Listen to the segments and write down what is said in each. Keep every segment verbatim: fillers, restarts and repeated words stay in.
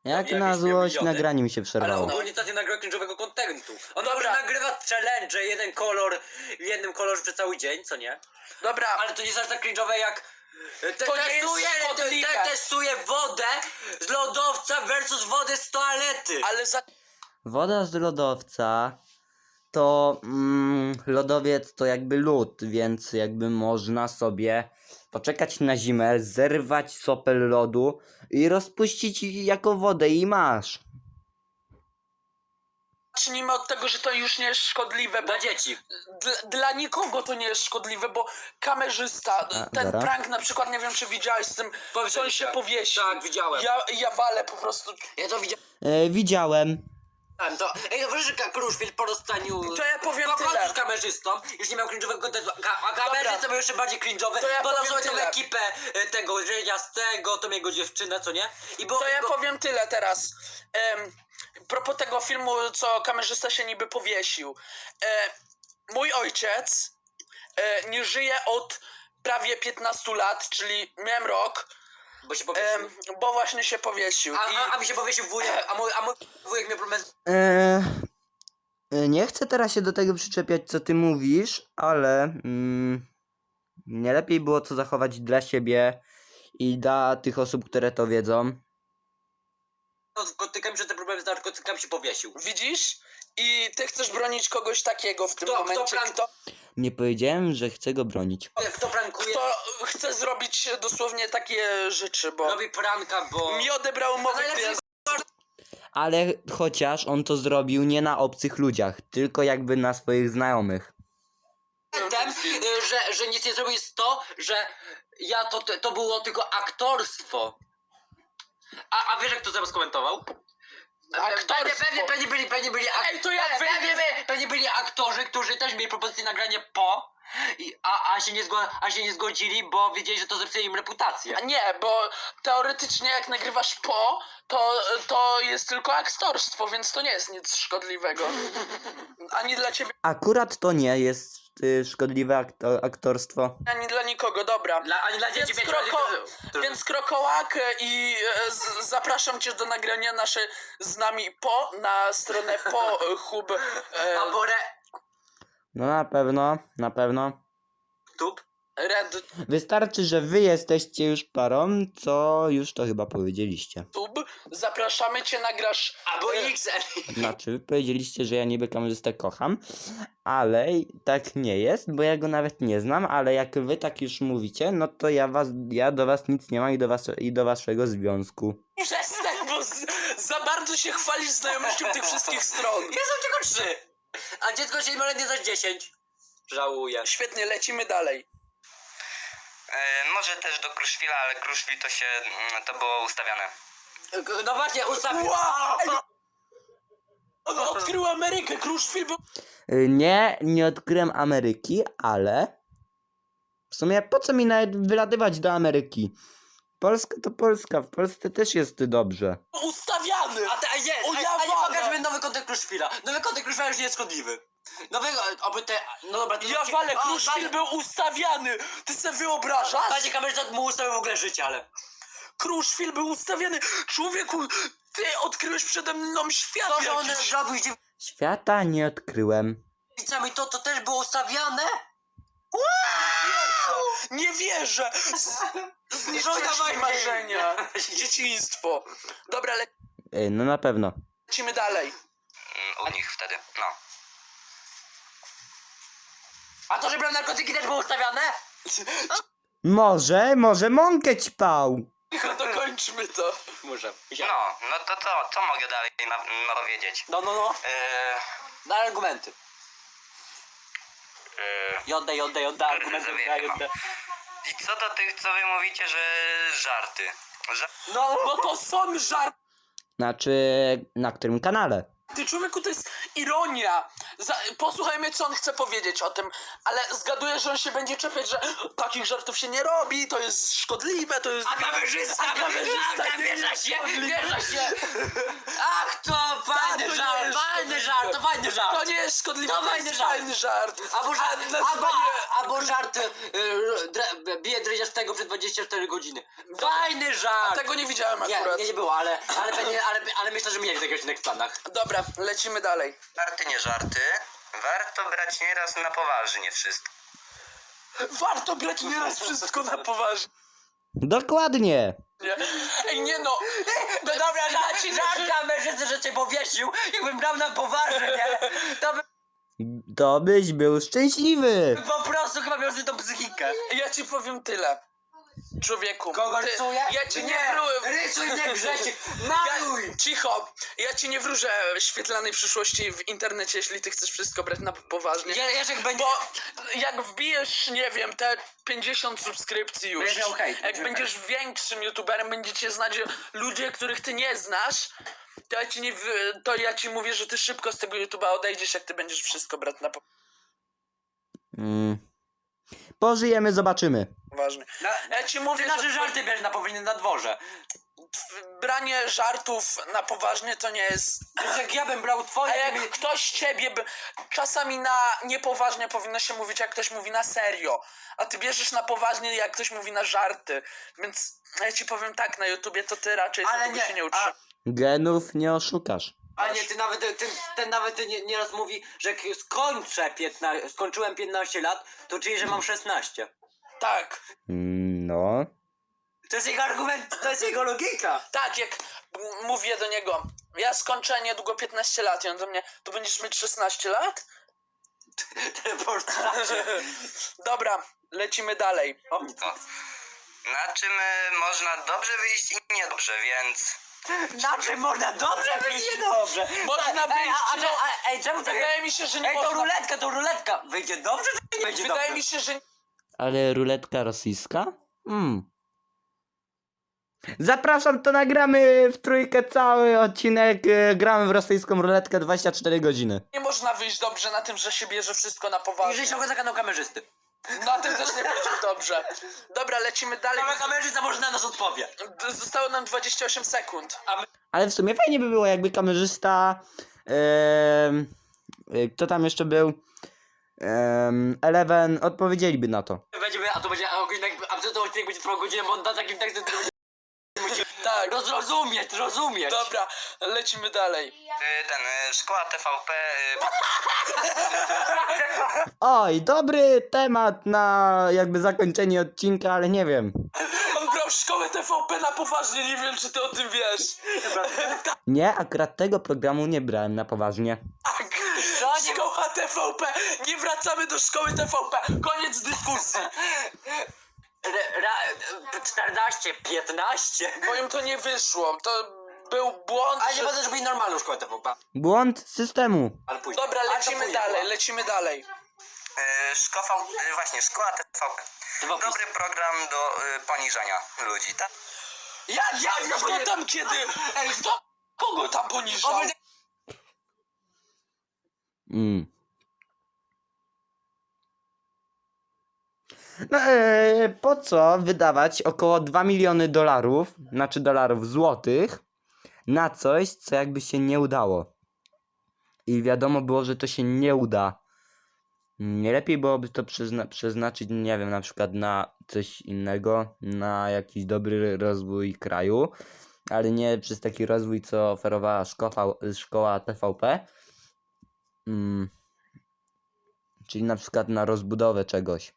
Jak Jakiś na złość miliony. nagranie mi się Ale przerwało. ogólnie to nie nagra cringe'owego kontentu. On Dobra. może nagrywa challenge, jeden kolor w jednym kolorze przez cały dzień, co nie? Dobra, Ale to nie jest aż tak cringe'owe jak... Te, To nie jest testuje, te, szkodliwe. te, testuje wodę z lodowca versus wodę z toalety. ale za... Woda z lodowca to mm, lodowiec to jakby lód, więc jakby można sobie poczekać na zimę, zerwać sopel lodu i rozpuścić jako wodę i masz. Zacznijmy od tego, że to już nie jest szkodliwe, bo Dla dzieci. dla, dla nikogo to nie jest szkodliwe, bo kamerzysta, A, ten zaraz. prank na przykład, nie wiem czy widziałeś z tym, co on się powiesił. Tak, widziałem. Ja, ja walę po prostu. Ja to widziałem. E, widziałem. To, ej, no wiesz, że Kruszwil po rozstaniu... To ja powiem po tyle. prostu z kamerzystą już nie miał cringe'owego kontentu, Ka- a kamerzysta był jeszcze bardziej cringe'owy, To ja bo dał powiem sobie tą tyle. ekipę e, tego Jasnego, tą jego dziewczynę, co nie? I bo, To ja bo... powiem tyle teraz. Em, propos tego filmu, co kamerzysta się niby powiesił. E, mój ojciec e, nie żyje od prawie piętnastu lat, czyli miałem rok, Bo się powiesił. em, bo właśnie się powiesił. A, I a, a mi się powiesił wujek, a mój, a mój wujek miał problem z... E, e, nie chcę teraz się do tego przyczepiać, co ty mówisz, ale mm, nie lepiej było to zachować dla siebie i dla tych osób, które to wiedzą. narkotykami, że te problemy z narkotykami się powiesił. widzisz? I ty chcesz bronić kogoś takiego w tym Kto- kto momencie, prank- kto, Nie powiedziałem, że chcę go bronić. Kto prankuje, kto chce zrobić dosłownie takie rzeczy, bo robi pranka, bo... mi odebrał A umowę najlepszy klient. Ale chociaż on to zrobił nie na obcych ludziach, tylko jakby na swoich znajomych. Tem, y, że, że nic nie zrobił jest to, że ja to, to było tylko aktorstwo. A, a wiesz jak to zaraz skomentował? Aktorstwo. Pewnie, pewnie, pewnie byli, pewnie byli, ak- Ej, to jak pewnie, wyjdzie- pewnie, pewnie byli aktorzy, którzy też mieli propozycję nagrania po, i, a, a, się nie zgo, a się nie zgodzili, bo wiedzieli, że to zepsuje im reputację. A nie, bo teoretycznie jak nagrywasz po, to, to jest tylko aktorstwo, więc to nie jest nic szkodliwego. Ani dla ciebie, Akurat to nie jest y, szkodliwe akto aktorstwo. ani dla nikogo, dobra. Dla, ani dla dzieci Więc, pięcioletnich, kroko, którzy- którzy- więc krokołak e, i e, z, zapraszam cię do nagrania nasze z nami po na stronę po e, hub e, A Borę... No na pewno, na pewno. Tup? red Wystarczy, że wy jesteście już parą, co już to chyba powiedzieliście. tube. Zapraszamy cię, nagrasz Albo e, X L. Znaczy, wy powiedzieliście, że ja niby kamerzystę kocham, ale tak nie jest, bo ja go nawet nie znam, ale jak wy tak już mówicie, no to ja was, ja do was nic nie mam i do, was, i do waszego związku. Przestań, bo z, za bardzo się chwalisz znajomością tych wszystkich stron. Ja są tylko trzy. A dziecko się ma nie zaś dziesięć. Żałuję. Świetnie, lecimy dalej. E, może też do Kruszwila, ale Kruszwil to się, mm, to było ustawiane. No właśnie, ustawił. Wow! On odkrył Amerykę, Kruszwil był... Y, Nie, nie odkryłem Ameryki, ale w sumie po co mi nawet wylatywać do Ameryki? Polska to Polska, w Polsce też jest dobrze. ustawiany! A, te, a, jest, O, a, ja a nie walę. pokażmy nowy kontent Kruszwila. Nowy kontent Kruszwila już nie jest szkodliwy. Nowego, oby te... No dobra, to... Ja walę, O, Kruszwil Banie- był ustawiany! Ty sobie wyobrażasz? Panie kamerzysta mu ustawił w ogóle życie, ale... Kruszwil był ustawiany! Człowieku, ty odkryłeś przede mną świat To, że on jakiś. zrobił z Świata nie odkryłem. dziewczycami, to, to też było ustawiane? Nie wierzę! Z, zniszczyłeś Żona mi ma marzenia. dzieci. Dzieciństwo. Dobra, Y, No na pewno. lecimy dalej. Mm, u nich wtedy, no. A to, że brał narkotyki też było ustawiane? Może, może mąkę ćpał. Cicho, dokończmy to. Muszę. No, no to co, co mogę dalej na, no, powiedzieć? No, no, no. E, Na argumenty. e, Jodda, jodda, jodda, argumenty, jodda, jodda. I co do tych, co wy mówicie, że żarty? Ża No, No to są żarty, Znaczy, na którym kanale? człowieku, to jest ironia. Za, posłuchajmy, co on chce powiedzieć o tym, ale zgaduję, że on się będzie czepiać, że takich żartów się nie robi, to jest szkodliwe, to jest... A kamerzysta, A kamerzysta a, nie wierza jest się, szkodliwy. wierza się. Ach to, panie. Fajny nie żart, jest fajny szkodliwe. żart, to fajny żart. To nie jest szkodliwe, To to fajny jest żart. fajny żart. Albo, żart, A albo, nazwanie... albo żart, y, dre- bije dryziarz tego przez dwadzieścia cztery godziny. Fajny żart. Tego nie widziałem Nie, akurat. nie, nie było, ale, ale, pewnie, ale, ale myślę, że mieli taki odcinek w planach. Dobra, lecimy dalej. Żarty, nie żarty. Warto brać nieraz na poważnie wszystko. Warto brać nieraz wszystko na poważnie. Dokładnie. Ej, nie no. No dobra, żart, żart kamerzysty, że cię powiesił, jakbym brał na poważnie, to bym To byś był szczęśliwy. po prostu chyba miał tą psychikę. Ja ci powiem tyle. Człowieku. Kogo ty- rysuję? Ja ci nie, Nie, wróżę. rysuj mnie Grzesiek, Ja, maluj! cicho. Ja ci nie wróżę świetlanej przyszłości w internecie, jeśli ty chcesz wszystko brać na poważnie. Je- Jerzek będzie... Bo jak wbijesz, nie wiem, te pięćdziesiąt subskrypcji już, Będziesz miał hejt, jak będziesz miał będziesz większym youtuberem, będziecie znać ludzie, których ty nie znasz, to ja ci nie, w- to ja ci mówię, że ty szybko z tego YouTube'a odejdziesz, jak ty będziesz wszystko brać na Mm. Pożyjemy, zobaczymy. poważnie. Na, Ja ci mówię, ty że nasze żarty bierz na powinny na dworze. branie żartów na poważnie to nie jest... Jak ja bym brał twoje... A ty jak by- ktoś ciebie by... Czasami na niepoważnie powinno się mówić, jak ktoś mówi na serio. A ty bierzesz na poważnie, jak ktoś mówi na żarty. Więc ja ci powiem tak, na YouTubie to ty raczej Ale tego nie, się nie a- utrzymasz. Genów nie oszukasz. A nie, ty nawet, ty, ten nawet ty nie, nieraz mówi, że jak skończę piętnaście, skończyłem piętnaście lat, to czyli, że mam szesnaście. Tak, Mm, No. To jest jego argument, to jest jego logika. tak, jak m- mówię do niego, ja skończę niedługo piętnaście lat i on do mnie, to będziesz mieć szesnaście lat? Teleportacja. Dobra, lecimy dalej. O mnie to. Na czym e, można dobrze wyjść i niedobrze, więc... Na czym można dobrze wyjść niedobrze? Można ej, wyjść, a, a, no- a, ej, czemu tak? Wydaje mi się, że nie Ej, to można... ruletka, to ruletka. Wyjdzie dobrze, czy nie będzie Wydaje dobrze? mi się, że Ale ruletka rosyjska? Hmm. Zapraszam, to nagramy w trójkę cały odcinek. e, Gramy w rosyjską ruletkę dwadzieścia cztery godziny. nie można wyjść dobrze na tym, że się bierze wszystko na I poważnie. że się ogląda kanał kamerzysty. Na tym też nie będzie dobrze. Dobra, lecimy dalej. Kanał kamerzysta może na nas odpowie. D- Zostało nam dwadzieścia osiem sekund. Ale w sumie fajnie by było, jakby kamerzysta. em, e, kto tam jeszcze był? Em, Eleven odpowiedzieliby na to. Będziemy, a to będzie, a odcinek, a ten odcinek będzie trwał godzinę, bo on da takim tekstem, który będzie Tak, rozrozumieć, rozumieć. dobra, lecimy dalej. Y, Ten, y, szkoła T V P... y, Oj, dobry temat na jakby zakończenie odcinka, ale nie wiem. On brał szkołę T V P na poważnie, nie wiem czy ty o tym wiesz. Nie, akurat tego programu nie brałem na poważnie. Tak, szkoła T V P. Nie wracamy do szkoły T V P. Koniec dyskusji. Ra- ra- czternaście, piętnaście. Bo im to nie wyszło. To był błąd. Ale nie że- będę zrobić normalną szkołę T V P. Błąd systemu. Ale później. Dobra, Ale to lecimy później dalej, było. lecimy dalej. y, szkoła, y, właśnie, szkoła T V P. T V P. Dobry program do y, poniżania ludzi, tak? Ja, ja, ja, Kto tam kiedy? Ej, kto? Kogo tam poniżał? Mm. No, e, po co wydawać około dwa miliony dolarów, znaczy dolarów złotych, na coś, co jakby się nie udało? I wiadomo było, że to się nie uda. Nie lepiej byłoby to przyzna- przeznaczyć, nie wiem, na przykład na coś innego, na jakiś dobry rozwój kraju, ale nie przez taki rozwój, co oferowała szkoła, szkoła T V P. Mm. Czyli na przykład na rozbudowę czegoś.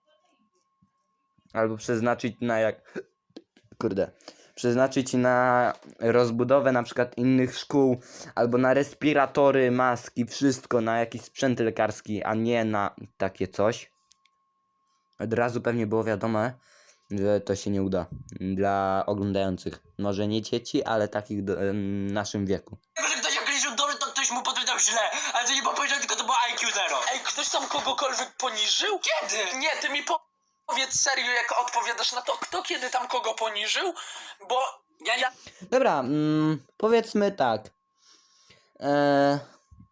Albo przeznaczyć na jak... Kurde. Przeznaczyć na rozbudowę na przykład innych szkół, albo na respiratory, maski, wszystko, na jakiś sprzęt lekarski, a nie na takie coś. Od razu pewnie było wiadome, że to się nie uda dla oglądających. Może nie dzieci, ale takich do, em, naszym wieku. Że ktoś jak liczył dobrze, to ktoś mu podpowiedział źle. Ale to nie powiedział, tylko to było I Q zero. Ej, ktoś tam kogokolwiek poniżył? Kiedy? Nie, ty mi po- powiedz serio, jak odpowiadasz na to, kto kiedy tam kogo poniżył, bo Ja, ja, Dobra, mm, powiedzmy tak. E,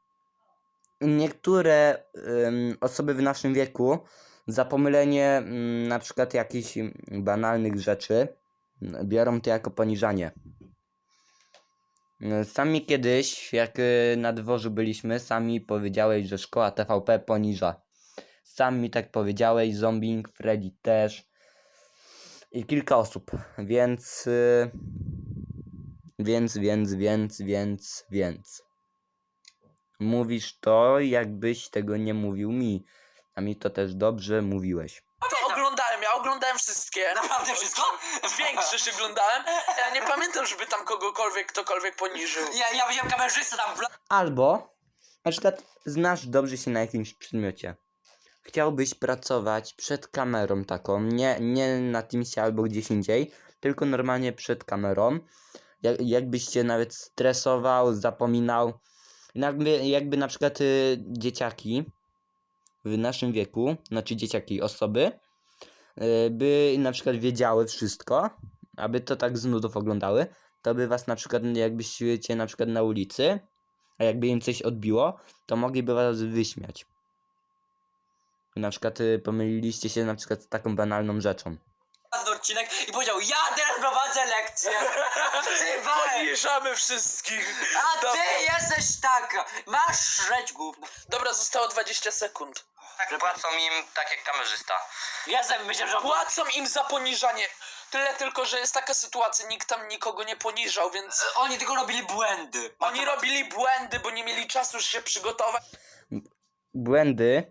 niektóre em, osoby w naszym wieku za pomylenie mm, na przykład jakichś banalnych rzeczy mm, biorą to jako poniżanie. E, Sami kiedyś, jak e, na dworzu byliśmy, sami powiedziałeś, że szkoła T V P poniża. Sam mi tak powiedziałeś, Zombing, Freddy też i kilka osób, więc... e, Więc, więc, więc, więc, więc. Mówisz to, jakbyś tego nie mówił mi. A mi to też dobrze mówiłeś. To oglądałem, ja oglądałem wszystkie. Naprawdę wszystko? Większość oglądałem. Ja nie pamiętam, żeby tam kogokolwiek, ktokolwiek poniżył. Ja, ja widziałem kamerzystę tam w la- Albo, na przykład, znasz dobrze się na jakimś przedmiocie. Chciałbyś pracować przed kamerą taką, nie, nie na Teamsie albo gdzieś indziej, tylko normalnie przed kamerą. Jak, jakbyś się nawet stresował, zapominał. Jakby, jakby na przykład y, dzieciaki w naszym wieku, znaczy dzieciaki, osoby, y, by na przykład wiedziały wszystko, aby to tak z nudów oglądały, to by was na przykład, jakbyście na przykład na ulicy, a jakby im coś odbiło, to mogliby was wyśmiać. Na przykład y, pomyliliście się na przykład z taką banalną rzeczą. ten odcinek i powiedział: ja teraz prowadzę lekcję. Ty weź. Poniżamy wszystkich. A Dobra. ty jesteś taka. Masz szreć gówno. Dobra, zostało dwadzieścia sekund. Tak płacą im tak jak kamerzysta. Ja sobie myślę, że... Płacą im za poniżanie. Tyle tylko, że jest taka sytuacja, nikt tam nikogo nie poniżał, więc Oni tylko robili błędy. oni robili błędy, bo nie mieli czasu się przygotować. Błędy.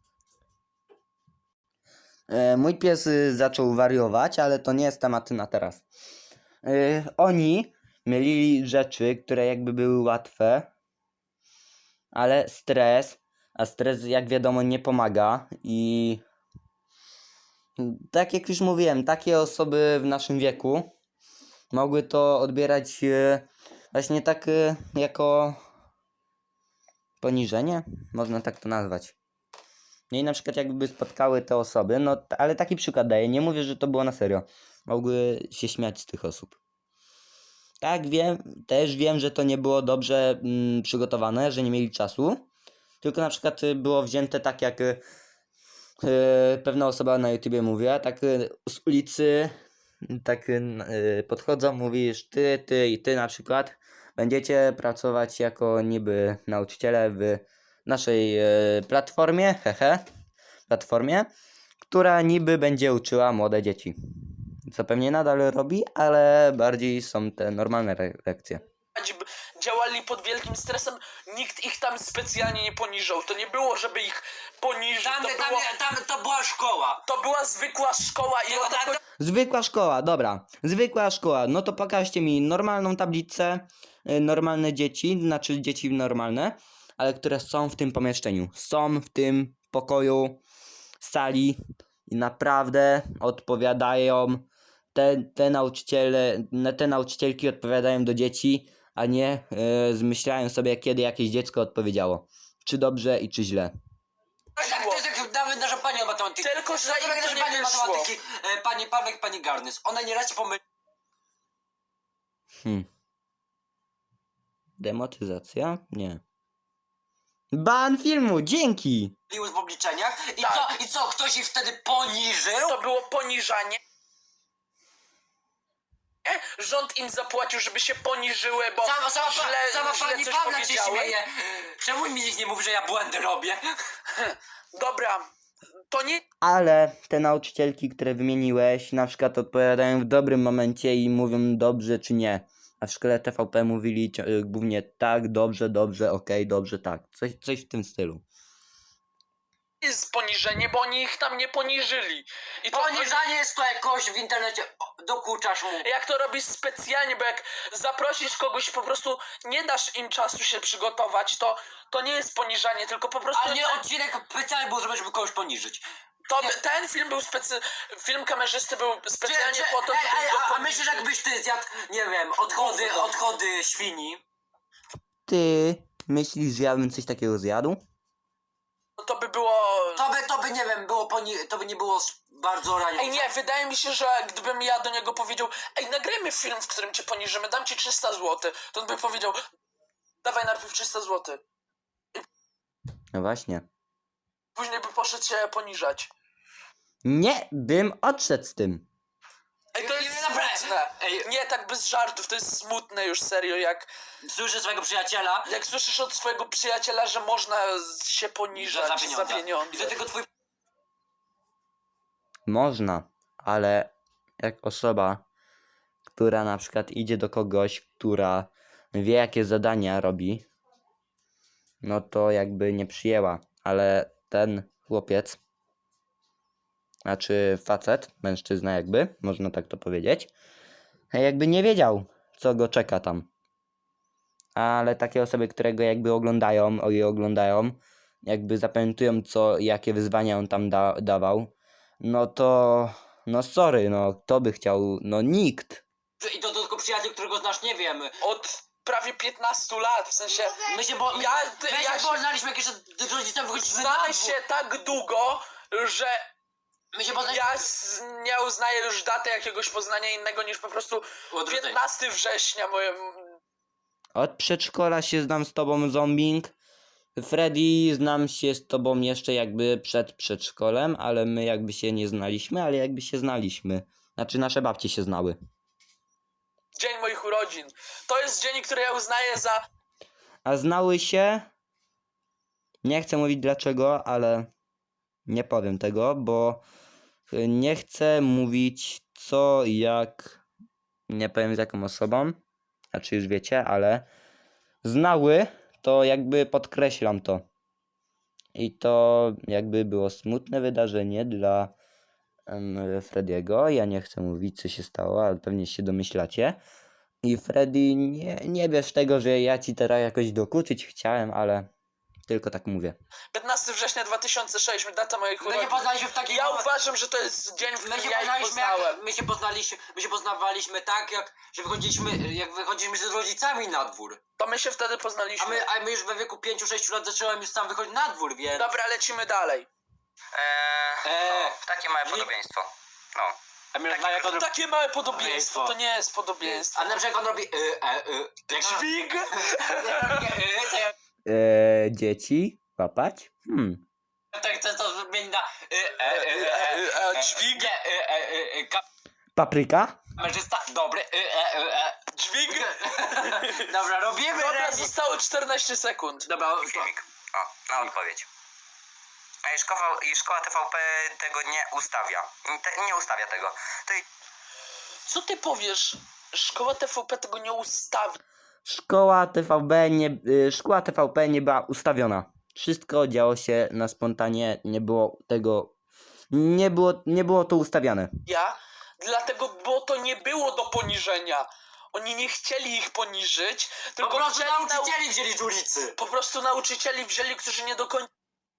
E, mój pies y, zaczął wariować, ale to nie jest temat na teraz. E, oni mylili rzeczy, które jakby były łatwe, ale stres, a stres jak wiadomo nie pomaga i tak jak już mówiłem, takie osoby w naszym wieku mogły to odbierać e, właśnie tak e, jako poniżenie, można tak to nazwać. No i na przykład jakby spotkały te osoby, no t- ale taki przykład daję, nie mówię, że to było na serio. Mogły się śmiać z tych osób. Tak, wiem, też wiem, że to nie było dobrze mm, przygotowane, że nie mieli czasu. Tylko na przykład y, było wzięte tak jak y, y, pewna osoba na YouTubie mówiła, tak y, z ulicy tak y, n- y, podchodzą, mówisz ty, ty i ty na przykład będziecie pracować jako niby nauczyciele w naszej y, platformie, hehe, platformie, która niby będzie uczyła młode dzieci. Co pewnie nadal robi, ale bardziej są te normalne re- lekcje. b- Działali pod wielkim stresem, nikt ich tam specjalnie nie poniżał. To nie było, żeby ich poniżyć. Tam, To, tam, było, tam, to była szkoła. to była zwykła szkoła i Tylko ona tak, Zwykła szkoła, dobra. Zwykła szkoła. No to pokażcie mi normalną tablicę, y, normalne dzieci, znaczy dzieci normalne, ale które są w tym pomieszczeniu. Są w tym pokoju, sali i naprawdę odpowiadają. Te, te nauczyciele, na- te nauczycielki odpowiadają do dzieci, a nie y, zmyślają sobie, kiedy jakieś dziecko odpowiedziało. Czy dobrze i czy źle. tak, to jest jak nawet nasza pani od matematyki. Tylko, że Tak im jak to nasza nie pani od wyszło. matematyki, e, pani Pawek, pani Garnys. One nieraz się pomyliły Hmm. Demotyzacja? Nie. Ban filmu, dzięki! w obliczeniach. I Tak. co, i co, ktoś ich wtedy poniżył? To było poniżanie. Rząd im zapłacił, żeby się poniżyły, bo Sama, sama, źle, sama źle pani coś Pawla się powiedziały. śmieje. Czemu mi nikt nie mówi, że ja błędy robię? Dobra, to nie Ale te nauczycielki, które wymieniłeś, na przykład odpowiadają w dobrym momencie i mówią dobrze czy nie. A w szkole T V P mówili cio- y, głównie tak, dobrze, dobrze, okej, dobrze, tak. Coś, coś w tym stylu. jest poniżenie, bo oni ich tam nie poniżyli. I to Poniżanie jest to jakoś w internecie. O, dokuczasz mu. jak to robisz specjalnie, bo jak zaprosisz kogoś, po prostu nie dasz im czasu się przygotować, to, to nie jest poniżanie, tylko po prostu... Ale nie odcinek specjalnie był zrobiony, żeby kogoś poniżyć. To, nie. ten film był specy... Film kamerzysty był Czy, specjalnie czy, po to, ej, żeby ej, go a, a poniżyć. myślisz, jakbyś ty zjadł, nie wiem, odchody, Gówno. odchody świni? Ty myślisz, że ja bym coś takiego zjadł? To by było... To by, to by nie wiem, było poni... to by nie było s- bardzo raniące. Ej, nie, wydaje mi się, że gdybym ja do niego powiedział: ej, nagrajmy film, w którym cię poniżymy, dam ci trzysta złotych, to on by powiedział: dawaj najpierw trzysta złotych. No właśnie. Później by poszedł się poniżać. Nie bym odszedł z tym. Ej, to Nie, jest nie, naprawdę. smutne. Ej. Nie, tak bez żartów, to jest smutne już serio, jak, Słyszę swojego przyjaciela, jak słyszysz od swojego przyjaciela, że można z- się że poniżać za za pieniądze. pieniądze. I do tego twój Można, ale jak osoba, która na przykład idzie do kogoś, która wie jakie zadania robi, no to jakby nie przyjęła, ale ten chłopiec, znaczy facet, mężczyzna jakby, można tak to powiedzieć, jakby nie wiedział, co go czeka tam. Ale takie osoby, które go jakby oglądają, o je oglądają, jakby zapamiętują, co, jakie wyzwania on tam da, dawał, no to, no sorry, no kto by chciał, no nikt. i to tylko przyjaciel, którego znasz, nie wiem. Od prawie piętnastu lat, w sensie My się, bo, my, Ja- my ja się się- poznaliśmy, jak jeszcze z rodzicem wychodziliśmy na znamy dwór. się tak długo, że My się poznaliśmy... ja z, nie uznaję już daty jakiegoś poznania innego niż po prostu Odwrócenie. piętnastego września moje... Od przedszkola się znam z tobą, Zombing. Freddy, znam się z tobą jeszcze jakby przed przedszkolem, ale my jakby się nie znaliśmy, ale jakby się znaliśmy. Znaczy nasze babcie się znały. dzień moich urodzin. To jest dzień, który ja uznaję za... A znały się? Nie chcę mówić dlaczego, ale nie powiem tego, bo y, nie chcę mówić co, jak, nie powiem z jaką osobą, znaczy już wiecie, ale znały, to jakby podkreślam to. I to jakby było smutne wydarzenie dla um, Frediego. Ja nie chcę mówić co się stało, ale pewnie się domyślacie. I Freddy, nie, nie wiesz tego, że ja ci teraz jakoś dokuczyć chciałem, ale tylko tak mówię. piętnastego września dwa tysiące szóstego, data moich My się urodzin. poznaliśmy w takim... Ja uważam, że to jest dzień, w My którym się ja ich poznaliśmy, poznałem. jak, my się poznaliśmy, my się poznawaliśmy tak, jak, że wychodziliśmy, jak wychodziliśmy z rodzicami na dwór. To my się wtedy A poznaliśmy. my, a my już we wieku pięciu sześciu lat zacząłem już sam wychodzić na dwór, więc... Dobra, lecimy dalej. Eee, Eee, no, takie małe nie- podobieństwo. No. A my jak on robi... Takie małe podobieństwo, Podobieństwo. to nie jest podobieństwo. A na przykład on robi... Y, e, y, jak Dźwig? y, to ja Eee, dzieci? Łapać? Hmm. tak chcę to zmienić na... Y, e, y, e, E, Dźwig? Nie, y, e, y, y, Papryka? kamerzysta, dobry, y, e, y, e. Dźwig? Dobra, robimy Dobra, remis. zostało czternaście sekund. Dobra, Filmik. O, na odpowiedź. A i szkoła, i szkoła T V P tego nie ustawia. Te, nie ustawia tego. To i Co ty powiesz? Szkoła T V P tego nie ustawi. Szkoła T V B nie, y, szkoła T V P nie była ustawiona. Wszystko działo się na spontanie, nie było tego, nie było, nie było to ustawiane. Ja, dlatego, bo to nie było do poniżenia. Oni nie chcieli ich poniżyć, po tylko prostu chcieli nau- nauczycieli wzięli z ulicy. po prostu nauczycieli wzięli, którzy nie do końca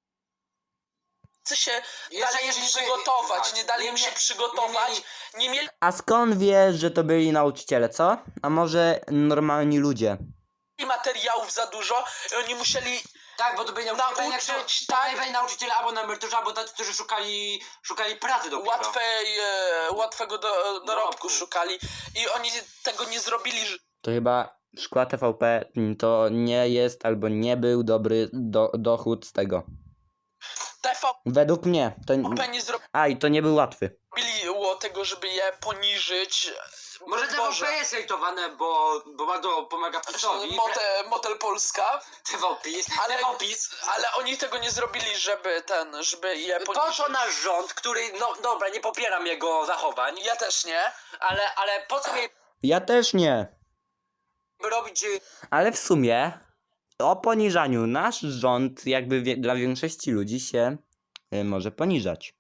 się Jeszcze dali im jeżeli by- przygotować, tak, nie dali nie im się mie- przygotować, nie nie mieli A skąd wiesz, że to byli nauczyciele, co? A może normalni ludzie? materiałów za dużo i oni musieli Tak, bo to byli nauczyciele, Nauczyć, jak to, tak. to byli nauczyciele albo na emeryturze, albo tacy, którzy szukali, szukali pracy dopiero. łatwej, e, łatwego do, dorobku Dorobku. szukali i oni tego nie zrobili, że To chyba szkoła T V P mm, to nie jest albo nie był dobry do, dochód z tego. T V Według mnie. To, P nie a i to nie był łatwy. zrobiło tego, żeby je poniżyć. Może Boże. T V P jest hejtowane, bo, bo bardzo pomaga PiSowi. Motel, Motel Polska, T V PiS, ale, T V PiS. ale oni tego nie zrobili, żeby ten, żeby je Po poniżyć. co nasz rząd, który, no dobra, nie popieram jego zachowań, Ja też nie. ale, ale po co mieliby Ja też nie. robić... y, Ale w sumie o poniżaniu nasz rząd jakby wie, dla większości ludzi się y, może poniżać.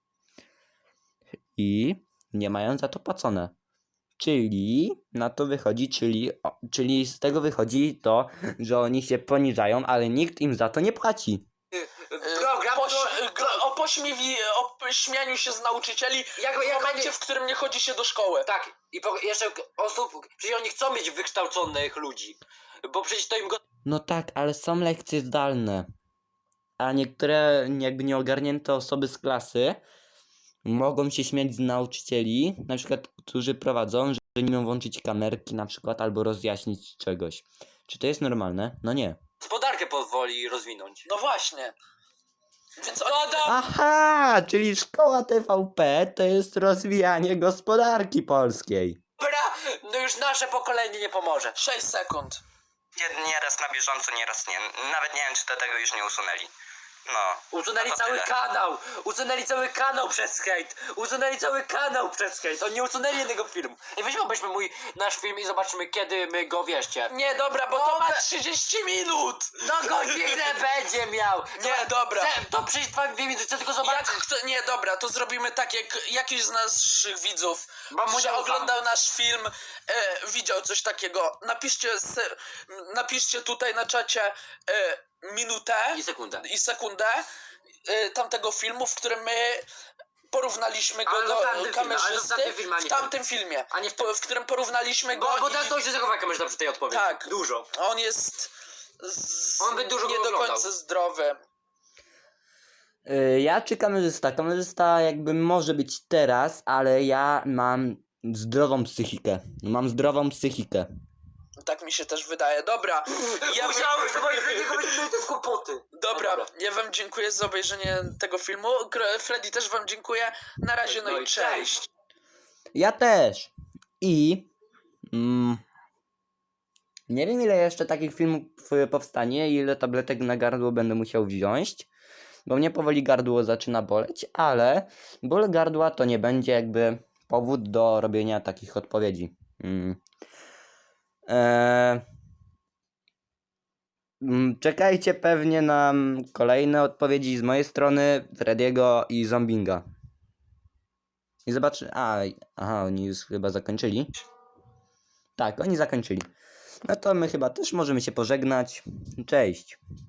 I nie mają za to płacone. Czyli na to wychodzi, czyli, o, czyli z tego wychodzi to, że oni się poniżają, ale nikt im za to nie płaci. y, E, program, Poś, to, gro- o pośmiewi, o śmianiu się z nauczycieli Jak- w jak momencie, oni- w którym nie chodzi się do szkoły. tak, i po, jeszcze osób, przecież oni chcą mieć wykształconych ludzi, bo przecież to im go... No tak, ale są lekcje zdalne. A niektóre jakby nieogarnięte osoby z klasy mogą się śmiać z nauczycieli, na przykład, którzy prowadzą, że nie mogą włączyć kamerki na przykład, albo rozjaśnić czegoś. Czy to jest normalne? No nie. Gospodarkę pozwoli rozwinąć. No właśnie. Więc No oni... do... Aha, czyli szkoła T V P to jest rozwijanie gospodarki polskiej. Dobra, no już nasze pokolenie nie pomoże. sześć sekund. Nie- Nieraz na bieżąco, nieraz nie. Nawet nie wiem, czy to tego już nie usunęli. No. Usunęli no to cały tyle. kanał! Usunęli cały kanał przez hejt! Usunęli cały kanał przez hejt! Oni nie usunęli jednego filmu. I weźmy obejrzmy mój, nasz film i zobaczymy, kiedy my go, wierzcie. Nie, dobra, bo to O, ma be- trzydzieści minut! No godzinę będzie miał! Nie, dobra. Chcę- To przyjść dwa dwie minuty, chcę tylko Jak zobaczyć. kto, nie, dobra, to zrobimy tak, jak jakiś z naszych widzów, Bo mu nie że ufam. oglądał nasz film, e, widział coś takiego. Napiszcie, se, napiszcie tutaj na czacie e, minutę I sekundę. i sekundę e, tamtego filmu, w którym my porównaliśmy go Ale do w tamtym filmie, ale w kamerzysty. tamtym filmie, a nie w tamtym filmie, A nie w po, w którym porównaliśmy go Bo, bo i teraz to się zachowa kamerzysta przy tej odpowiedzi. Tak. Dużo. on jest z, On by dużo nie go do oglądał. końca zdrowy. Y, Ja czy kamerzysta? Kamerzysta jakby może być teraz, ale ja mam zdrową psychikę. Mam zdrową psychikę. Tak mi się też wydaje. Dobra, ja bym- Musiałeś, bo z niego będziemy te kłopoty. Dobra, ja wam dziękuję za obejrzenie tego filmu. Gr- Freddy też wam dziękuję. Na razie, no, No i i cześć. Ja też. I mm, nie wiem ile jeszcze takich filmów y, powstanie, ile tabletek na gardło będę musiał wziąć, bo mnie powoli gardło zaczyna boleć, ale ból gardła to nie będzie jakby powód do robienia takich odpowiedzi. Mm. Eee, mm, czekajcie pewnie na mm, kolejne odpowiedzi z mojej strony, Frediego i Zombinga. I zobaczy. A, aha, oni już chyba zakończyli. Tak, oni zakończyli. No to my chyba też możemy się pożegnać. Cześć.